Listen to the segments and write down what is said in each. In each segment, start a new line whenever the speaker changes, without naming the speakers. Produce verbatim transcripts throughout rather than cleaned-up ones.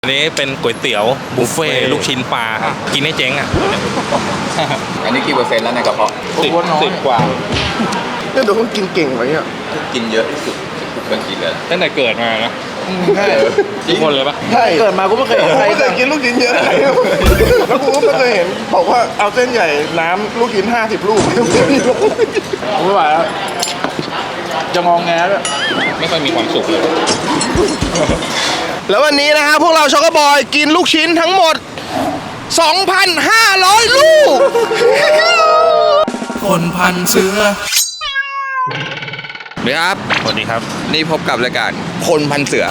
อันนี้เป็นก๋วยเตี๋ยวบุฟเฟ่ลูกชิ้นปลาครับกินให้เจ๊งอ่ะ
อันนี้กี่เปอร์เซ็นต์แล้วในกระเพาะ
สิบสิบกว่า
เนี่ยดูเขากินเก่งไว้เนี่ย
กินเยอะที่สุดที่เคยกินเลย
ตั้งแต่เกิดมานะ
ใช่
ทุกคนเลยปะ
ใช่เกิดมากูไม่เคยเห็นใครเคยกินลูกชิ้นเยอะแล้วกูก็ไม่เคยเห็นบอกว่าเอาเส้นใหญ่น้ำลูกชิ้นห้าสิบลูกไม่ไหวแล้วจะงองแงแล้ว
ไม่ค่อยมีความสุขเลย
แล้ววันนี้นะฮะพวกเราช็อกโกบอยกินลูกชิ้นทั้งหมด สองพันห้าร้อย ลูก
คนพันเสือ
สวัสดีครับ
สวัสดีครับ
นี่พบกับรายการคนพันเสือ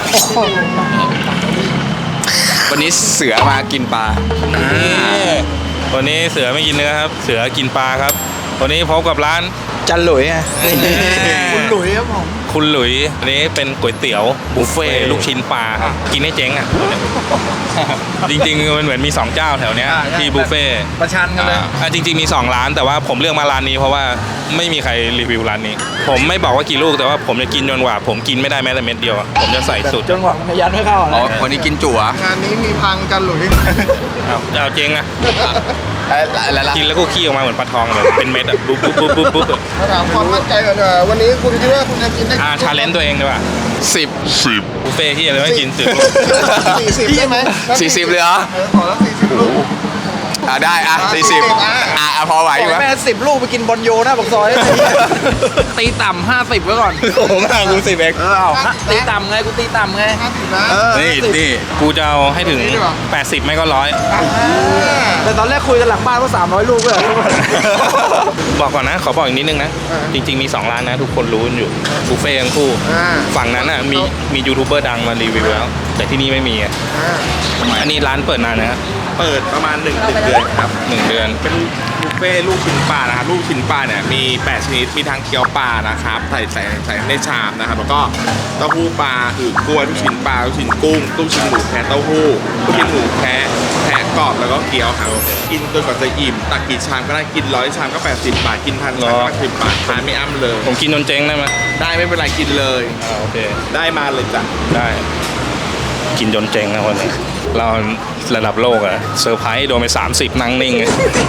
วันนี้เสือมากินปลา
วันนี้เสือไม่กินเนื้อครับเสือกินปลาครับวันนี้พบกับร้าน
จันหลุยไง
คุณหลุยครับผม
คุณหลุยอันนี้เป็นก๋วยเตี๋ยวบุฟเฟ่ลูกชิ้นปลาครับกินให้เจ๊งอ่ะจริงๆมันเหมือนมีสองเจ้าแถวเนี้ยที่บุฟเฟ่
ประชันกันเลย
อ่าจริงๆมีสองร้านแต่ว่าผมเลือกมาร้านนี้เพราะว่าไม่มีใครรีวิวร้านนี้ผมไม่บอกว่ากี่ลูกแต่ว่าผมจะกินจนกว่าผมกินไม่ได้แม้แต่เม็ดเดียวผมจะใส่สุด
จนกว่ายันไม่เข้า
อ๋อวันนี้กินจั่ว
งานนี้มีพังกันหลุย
เอาเอาเจ๊งนะ
แล้ว
กินแล้วก็ขี้ออกมาเหมือนปลาทองเลยเป็นเม็ดอ่ะปุ๊บปุ๊บปุ๊บปุ๊บปุ๊บ
ถามความมั่นใจก่อนเถอะวันนี้คุณคิดว่าคุณจะกินได้
อ่าชาเลนจ์ตัวเองดีกว่า
สิบสิบ
บุฟเฟ่ที่อะไรไม่กินสิบ
สี่สิบได้ไหม
สี่สิบเลยเหรอ
ขอแล้วสี่สิบลูก
อ่าได้อ่ะสี่สิบอ่ะพอไหวอยู่ไหม
แม่สิบลูกไปกินบอลโยนะบอกซอยตีต่ำห้าสิบไว้ก่อน
โอ้โหมากูสิบเอ็ก
เออเอาตีต่ำไงกูตีต่ำไงห้าสิบนะ
นี่นี่กูจะเอาให้ถึงแปดสิบไม่ก็ร้อย
แต่ตอนแรกคุยกันหลังบ้านว่าสามร้อยลูกเลย
บอกก่อนนะขอบอกอีกนิดนึงนะจริงๆมีสองร้านนะทุกคนรู้อยู่บุฟเฟ่ทั้งคู่ฝั่งนั้นอ่ะมีมียูทูบเบอร์ดังมารีวิวแล้วแต่ที่นี่ไม่มีอ่ะอันนี้ร้านเปิดนานนะ
เปิดประมาณหนึ่งเดือนครับ
หนึ่งเดือน
เป็นบุฟเฟ่ลูกชิ้นปลานะครับลูกชิ้นปลาเนี่ยมีแปดชนิดมีทั้งเกี๊ยวปลานะครับใส่ใส่ใส่ในชามนะครับแล้วก็เต้าหู้ปลาคือกล้วยลูกชิ้นปลาลูกชิ้นกุ้งลูกชิ้นหมูแคะเต้าหู้ลูกชิ้นหมูแคะแคะกรอบแล้วก็เกี๊ยวครับกินจนกว่าจะอิ่มตักกี่ชามก็ได้กินร้อยชามก็แปดสิบบาทกินพันชามก็สิบบาททานไม่อั้มเลย
ผมกินจนเจ๊งได้ไหม
ได้ไม่เป็นไรกินเลย
อ่าโอเค
ได้มาเลยจ้ะ
ได้กินจนเจ๊งนะคนนี้เราระดับโลกอะเซอร์ไพรส์โดนไปสามสิบนั่งนิ่ง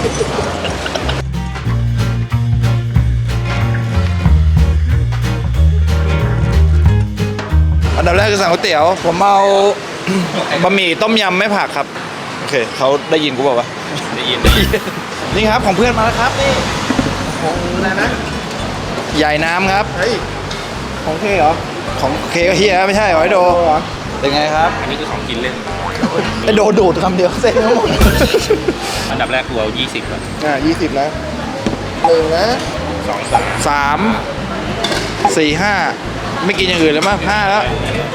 อันดับแรกคือสั่งก๋วยเตี๋ยวผมเอาบะหมี่ต้มยำไม่ผักครับโอเคเขาได้ยินกูบอกว่า
ได้ยินได้ยิน
นี่ครับของเพื่อนมาแล้วครับนี่ของอะไรนะใหญ่น้ำครับเฮ้ยของเคเหรอของเคก็เฮียไม่ใช่หอยโดเป็นไงครับ
อันนี้คือของกินเล่น
ไอโดดูดคำเดียวเซ็งทั้งหมด
อันดับแรกกูเอายี่สิบก่อน
อ่ายี่สิบนะหนึ่งนะ
สองสาม
สามสี่ห้าไม่กินอย่างอื่นแล้วมั้งห้าแล้ว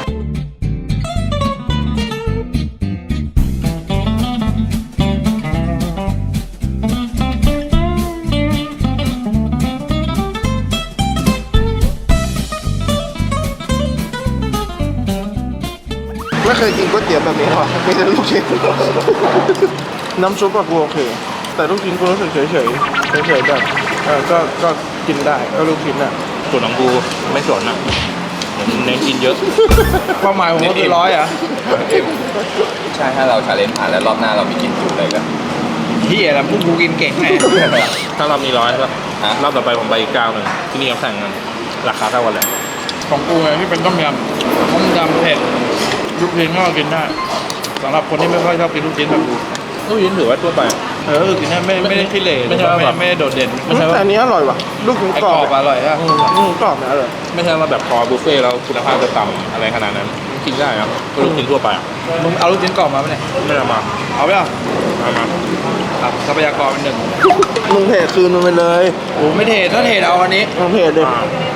ไม่เคยกินก๋วยเตี๋ยวแบบนี้หรอไม่ใช่ลูกชิ้นน้ำซุปก็โอเคแต่ลูกชิ้นกูรู้สึกเฉยเฉยเฉยๆแบบเออก็ก็กินได้ก็ลูกชิ้นอ่ะ
ส่วนของกูไม่สนอ่ะเน้นกินเยอะ
เป้าหมายของกูคือร้อยอ่ะ
ใช่ถ้าเราชาเลนจ์ผ่านแล้วรอบหน้าเรามีกินจุเลยกัน
ที่อะไรพวกกูกินเก่งไง
ถ้ารอบนี้ร้อยใช่ป่ะรอบต่อไปผมไปอีกเก้าหนึ่งที่นี่เขาแข่งกันราคาเท่ากันเลย
ของกูไงที่เป็นต้มยำต้มยำเผ็ดลูกชิ้นก็กินได้สำหรับคนที่ไม่ค่อยชอบกินลูกชิ้นแบบกู
ลูกชิ้นถือว่าทั่วไป
เออกินได้ไม่ไม่ได้ขี้เหร่ไม่ใช่ว่าไม่ได้โดดเด่นไม่ใช่ว่าอันนี้อร่อยว่ะลูกชิ้นกรอบอร่อยอ่ะลูกชิ้นกรอบนะอร่อย
ไม่ใช่ว่าแบบพอบุฟเฟ่แล้วคุณภาพจะต่ำอะไรขนาดนั้นกินได้ครับลูกชิ้นทั่วไป
มึงเอาลูกชิ้นกรอบมาไหมเนี่ย
ไม่เอามา
เอาไปอ่ะ
เอามา
ครับทรัพยากรเป็นหนึ่งมึงเทคืนมันไปเลยโอ้ไม่เทถ้าเทเอาอันนี้มึงเทเลย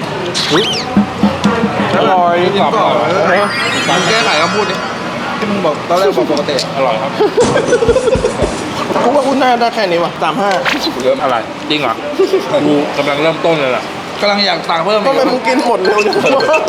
อร่อยกรอบอร่อยมึงแก้ไขคำพูดดิที่มึงบอกตอนแรกบอกปกติ
อร่อยครับ
กูว่าคุณน่าได้แค่นี้ว่ะสามห้า
เริ่มอะไรจริงเหรอกูกำลังเริ่มต้นเลยแหละ
กำลังอยากสั่งเพิ่มทำไมมึงกินหมดเร็วจังวะ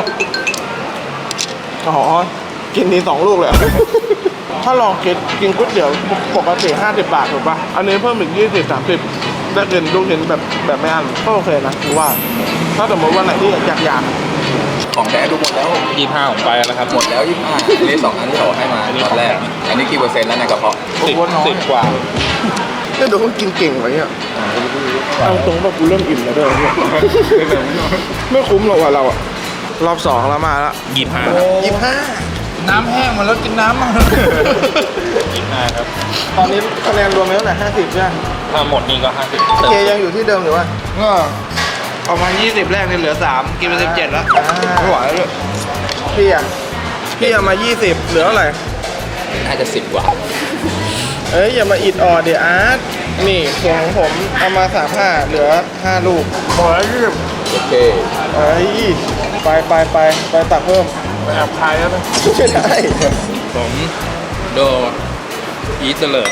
อ๋อกินทีสองลูกเลยถ้าลองคิดกินก๋วยเตี๋ยวปกติห้าสิบบาทถูกป่ะอันนี้เพิ่มอีกยี่สิบสามสิบได้กินลูกชิ้นแบบแบบไม่อั้นก็โอเคนะคือว่าถ้าสมมติวันไหนที่อยากอยาก
ของแท้ดูหมดแล้ว
ยี่ห้าผมไปแล้วครับ
หมดแล้วยี่ห้าอันนี้สองอันที่เขาให้มาตอนแรก อันนี้กี่เปอร์เซ็นต์แล้วในกระเพาะ
สิบสิบกว่า
เนี่ยเดี๋ยวเขากินเก่งไว้เนี่ยเอาตรงว่ากูเริ่มอิ่มแล้วด้วยเนี่ยไม่คุ้มหรอกว่ะเราอะรอบสองแล้วมาแล้ว
ยี่ห้า
ยี่ห้า
น้ำแห้งมาแล้วกินน้ำมั้ง
ยี่ห้าครับ
ตอนนี้คะแนนรวมแล้วเท่าไหร่ห้าสิบใช่ไหม
ถ้าหมดนี่ก็ห้าสิบ
เคยังอยู่ที่เดิมหรือว่า
ก็ประมาณยี่สิบแรกเนี่ยเหลือสามกินไปสิบเจ็ดแล้ว
ไม่ไหวแล้วด้วยพี่อะพี่เอามายี่สิบเหลือเท่าไหร่
น่าจะสิบกว่า
เอ้ยอย่ามาอิดออดเดี๋ยวอาร์ตนี่ส่วนของผมเอามาสามห้าเหลือห้าลูกพอแล้วยี่สิบ
โอเค
เอ้ยไปไปไปไปตักเพิ่มไปแอบคายแล้วนะไม่ได้
ผมโดอีเตอร์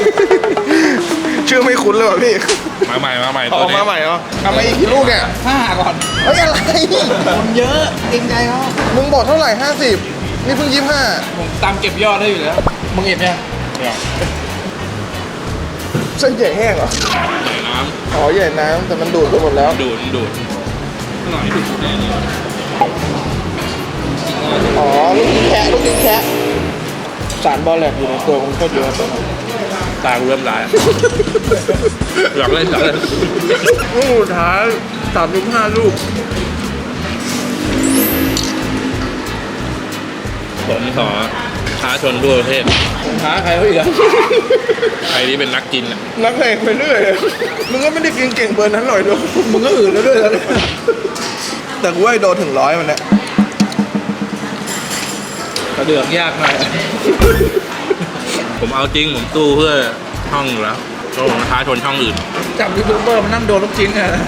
ชื่อไม่คุ้นเลยว่ะพี่
มาใหม่มาใหม่
อ
ตัว
อก
นี้
มาใหม่เหรอเอามาอีกกี่ลูกเนี่ย
ห้าก่อน
เฮ้ยอะไร
คนเยอะเองใจเขา
มึงบอกเท่าไหร่ห้าสิบนี่เพิ่งยี่ห้า
ผมตามเก็บยอดได้อยู่แล้วมึงเห็นยัง
เนี่ย
เส้นใหญ่แห้งเหรอ
ใส่น้
อ๋อใหญ่น้ำแต่มันดูดไปหมดแล้ว
ำดูดดูดหน่อยดูดแน่เลย
อ๋อลูกชิ้นแคะลูกชิ้นแคะสารบอลแลกอยู่ในตัวมันก็เยอะตัวนั้น
ตากูเริ่มร้ายอยากเล่นอยากเล่น
ลูกสุดท้ายสามสิบห้าลูก
ผมขอท้าชนทั่วประเทศ
ท้าใครเขาอีกอะ
ใครที่เป็นนักกินอ่ะ
นักเลงไปเรื่อยมึงก็ไม่ได้กินเก่งเบอร์นั้นหน่อยด้วยมึงก็อื่นแล้วด้วยแล้วเนี่ยแต่กูว่าไอ้โดนถึงร้อยมันเนี่ย
กระเดือกยากหน่อย
ผมเอาจริงผมตู้เพื่อช่องอยู่แล้วแล้วผมท้าชนช่องอื่น
จับยูทูบเบอร์มานั่งโดนลูกชิ้นเนี่ย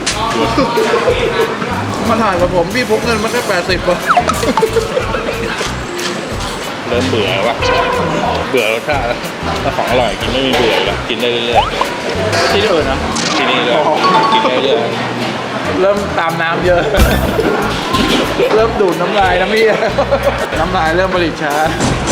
มาถ่ายกับผมพี่พกเงินมาแค่แปดสิบป่ะ
เริ่มเบื่อแล้ววะเบื่อรสชาติแล้วถ้าของอร่อยกินไม่มีเบื่อแล้วกินได้เรื่อย
ที่อื่นนะ
ๆที่นี่เลยกินได้เรื่อย
เริ่มตามน้ำเยอะ เริ่มดูดน้ำลายน้ำพี่น้ำลายเริ่มผลิตช้า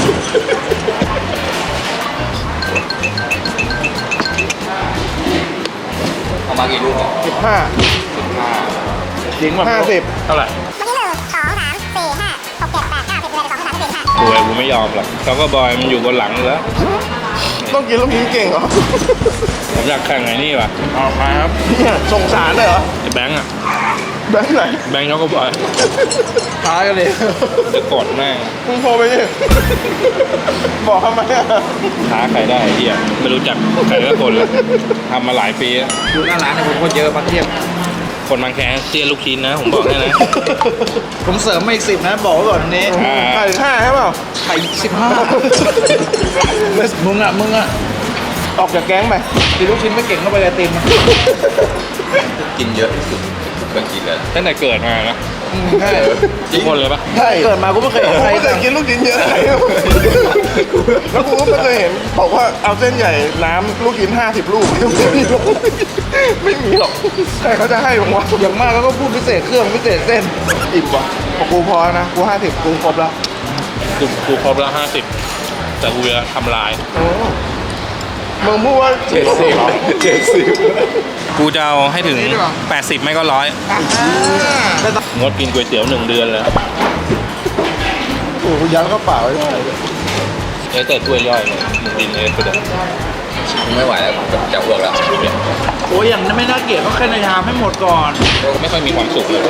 เอามากี่ลูกเนี่ย
สิบห้า
สิบห้า
จริงป่ะ
ห้าสิบ
เท่าไหร่
เมื่อกี้หนึ่งสองสามสี่ห้าหกเจ็ดแปดเก้าสิบเลยสองสามสี่ห้า
บวยกูไม่ยอมหรอกเขาก็บอยมันอยู่บนหลังอยู่แล้ว
ต้องกินลูกชิ้นเก่งเหรอ
ผมอยากแข่งไอ้นี่ว่ะ
ออกมาครับ
เนี่ยส่งสารเลยเหรอ
ไอ้แบงค์อ่ะ
แบงค์ไหน
แบงค์เขาก็บอย
ท้ายกันเลย
จะกดแม่ง
มึงโทรไปดิบอกทำไมอะ
ท้าใครได้ไอ้เฮียไม่รู้จักใครละคนเลยทำมาหลายปีแล้ว
ดูหน้าร้านเนี่ยผมคนเยอะพักเทียบ
คนบางแคเซียนลูกชิ้นนะ ผมบอกให้นะ
ผมเสริมมาอีกสิบนะ บอกไว้ก่อนนี้
อ่า
ไข่ห้าใช่เปล่า
ไข่สิบห้ามึงอ่ะ มึงอ่ะ
ออกจากแก๊งไป
กินลูกชิ้นไม่เก่งก็ไปไอติม
กินเยอะที่สุดเคยกินเลย
ตั้งแต่เกิดมานะ
ใช่
ทุกคนเลยปะ
ใช่
เกิดมากูไม่เคยเห็น
กู
ใคร
ไม่เคยกินลูกชิ้นเยอะเลยแล้วกูก็ไม่เคยเห็นบอกว่าเอาเส้นใหญ่น้ำลูกชิ้นห้าสิบลูกไม่มีหรอกไม่มีหรอกใครเขาจะให้ผมวะ
อย่างมากแล้วก็พูดพิเศษเครื่องพิเศษเส้น
อิ่มว่ะพอกูพอนะกูห้าสิบกูครบแล้ว
กูกูครบแล้วห้าสิบแต่กูจะทำลาย
โอ้มึงพูดว่า
เจ็ดสิบเจ็ดสิบ
กูจะเอาให้ถึง
นี่ดีกว่า
แปดสิบไม่ก็ร้อยงดกินก๋วยเตี๋ยวหนึ่งเดือนเลย
โอ้โหยัดกระเป๋าไว้ด้วย
เอ้แต่ถ้วยย่อยเลยมึงกินเลยก็ได้
ไม่ไหวแล้วจะจะอ้วกแล้ว
โอ้ยอย่างนั้นไม่น่าเกลียดก็แค่ในชามให้หมดก่อน
ก็ไม่ค่อยมีความสุขเลย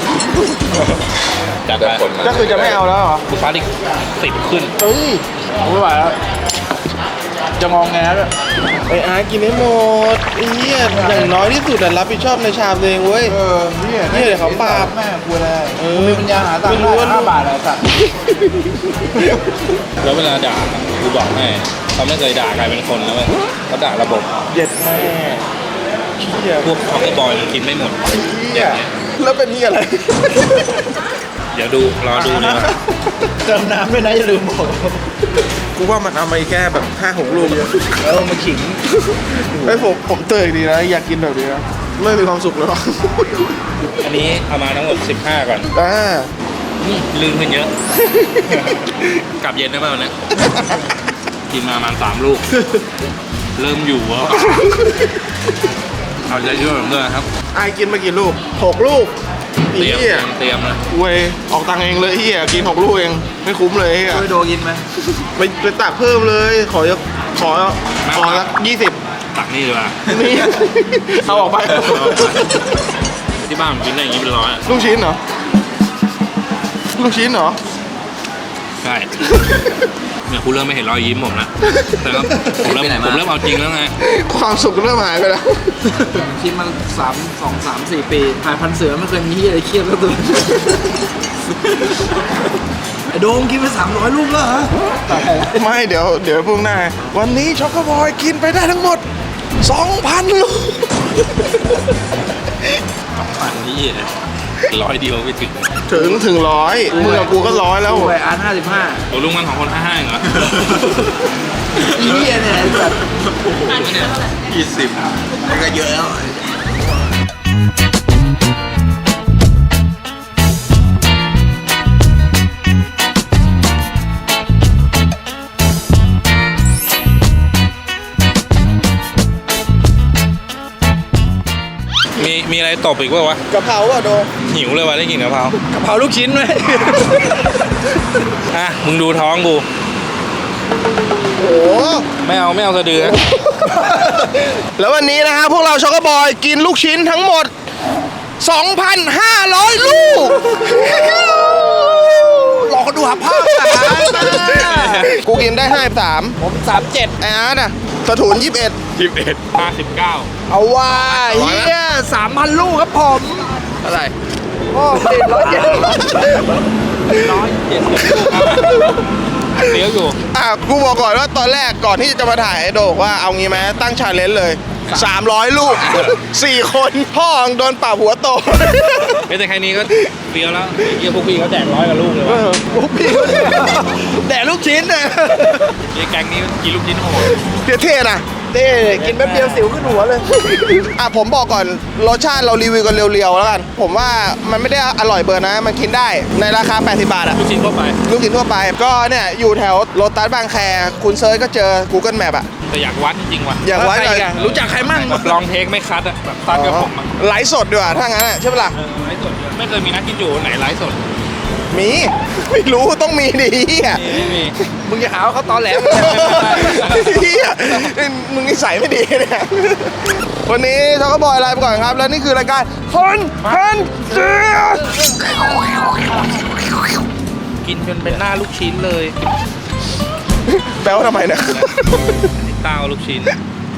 จัด
เดิน
ไป
คนมา
ก็คือจะไม่เอาแล้วเหรอ
กูฟ้าอีกสิบขึ้น
เฮ้ย
ผมไม่ไหวแล้ว จะงองแงแล้ว
ไอ้อาร์ตกินให้หมดไอ้เหี้ยอย่างน้อยที่สุดแต่รับผิดชอบในชามตัวเองเว้ย
เออเนี่ย
เนี่ยเดี๋ยวเขาปราบ
แม่กูเลย
เออ
มีปัญญาหาตังค์
ไม่รู้ว่า
ได้ห้าบาทอะไรสัตว์
แล้วเวลาด่ากูบอกให้เขาไม่เคยด่าใครเป็นคนนะเว้ยเขาด่าระบบ
เย็ดแม่เหี้ย
พวกเขาก็บอยมันกินไม่หมด
เหี้ยแล้วเป็นนี่อะไร
เดี๋ยวดูรอดูดีกว่า
เติมน้ำด้วยนะอย่าลืมบอก
กูว่ามันเอามาแค่แบบห้าหกลูกเยอะ
เออมาขิง
ไอ้ยผมผมเตยดีนะอยากกินแบบนี้นะไม่มีความสุขเลยหรอ
อันนี้เอามาทั้งหมดสิบห้าก่อน
อ่า
นี่ลืมขึ้นเยอะ กลับเย็นได้ป่ะวันเนี้ยกินมาประมาณสามลูก เริ่มอยู่แล้วเอาใจช่วยผมด้วยนะครับ
ไอายกินมากี่ลูกหกลูก
เตรียม
เหี้ย
เตรียมนะ
เว้ยออกตังค์เองเลยเฮียกินหกลูกเองไม่คุ้มเลยเฮีย
ช่วยโดกินไหม
ไปไปตักเพิ่มเลย ขอขอขอสักยี่สิบ
ตักนี่ดีกว่า
นี่ เอาออกไป
ที่บ้านผมกินได้อย่างนี้เป็นร้อยอะ
ลูกชิ้นเหรอ ลูกชิ้นเหรอ
ใช่ เนี่ยคุณเริ่มไม่เห็นรอยยิ้มผมนะแต่ก็ผมเริ่มผมเริ่มเอาจริงแล้วไง
ความสุขเริ่มหายไปแล้ว
คิดมาสามสองสามสี่ปีหายพันเสือไม่เคยมีที่อะไรเครียดแล้วตัวไอ้โดมกินไปสามร้อยลูกแล้วเหรอ
ไม่เดี๋ยวเดี๋ยวพรุ่งหน้า วันนี้ช็อกโกบอยกินไปได้ทั้งหมด สองพัน ลูก
อันนี้ร้อยเดียวไม่ถึง
ถึงถึงร้อยมึงกับกูก็ร้อยแล้ว
กูไปอาร์ตห้าสิบห้า
ตัวลุงมันของคนห้าห้าเหรอ
อีเหี้ยเนี่ยไอ้สัตว์
ยี่สิบมันก็เยอะแล้ว
มีมีอะไรตบอีกป่าวะ
กะเพราอ่ะโด
หิวเลยวะได้กินกะเพราก
ะเพราลูกชิ้นไหม
อ่ะมึงดูท้องกู
โอ้
ไม่เอาไม่เอาสะดือนะ
แล้ววันนี้นะฮะพวกเราช็อกโกบอยกินลูกชิ้นทั้งหมด สองพันห้าร้อย ลูก
รอเขาดูหาภาพสาม
กูกินได้ห้าสาม
ผมสามเจ็ด
ไอ้อาร์ตอ่ะสถูนยี่สิบเอ็ด
ยี่สิบเอ็ดห้าสิบเก้า
เอาว่าเฮียสามพันลูกครับผม
เท่าไหร่
โอ้ติดร้อยเจ็ด
ร้อยเจ็ดสิบลูกครับเลี้ยวอยู่
อ่ะกูบอกก่อนว่าตอนแรกก่อนที่จะมาถ่ายไอโดกว่าเอางี้ไหมตั้งชาเลนจ์เลย สามร้อย ลูก สี่คนพ่อมึงโดนป่าหัวโต
ไม่แต่แค่นี้ก็เลี้ยวแล้วไอ้เหี้ยพวกพี่เขาแจกร้อยกับลูกเลยวะ
โอ้พี่แดกลูกชิ้นเนี่ย
ไอ้แก๊งนี้กินลูกชิ้นโหด
เท่ๆนะเท่กินแป๊บเดียวสิวขึ้นหัวเลย อ่ะผมบอกก่อนรสชาติเรารีวิวกันเรียวๆแล้วกัน ผมว่ามันไม่ได้อร่อยเบอร์นะ มันกินได้ในราคาแปดสิบบาทอะ
ลูกชิ้นทั่วไป
ลูกชิ้นทั่วไป ก็เนี่ยอยู่แถวโลตัสบางแค คุณเซิร์ชก็เจอ Google Map อะ
แต่อยากวัดจริงๆว่ะ
อย่างว่า
ใครอีกอะรู้จักใครมั่ง
แบบลองเทคไม่คัดอะแบบตัดกับผมอะ
ไลฟ์สดดีกว่าถ้างั้นอะใช่ปะล่ะ
เออไลฟ์สดด้วยไม่เคยมีนักกินอยู่ไหนไลฟ์สด
มี ไม่รู้ต้องมีดิเฮีย
ไม่มี
มึงจะหาว่าเขาตอแหลม
เฮียมึงนิสัยไม่ดีเนี่ยวันนี้ช็อกโกบอยลาไปก่อนครับ แล้วนี่คือรายการคนพันเสือ
กินจนเป็นหน้าลูกชิ้นเลย
แปลว่าทำไมเนี่ย
เต้าลูกชิ้น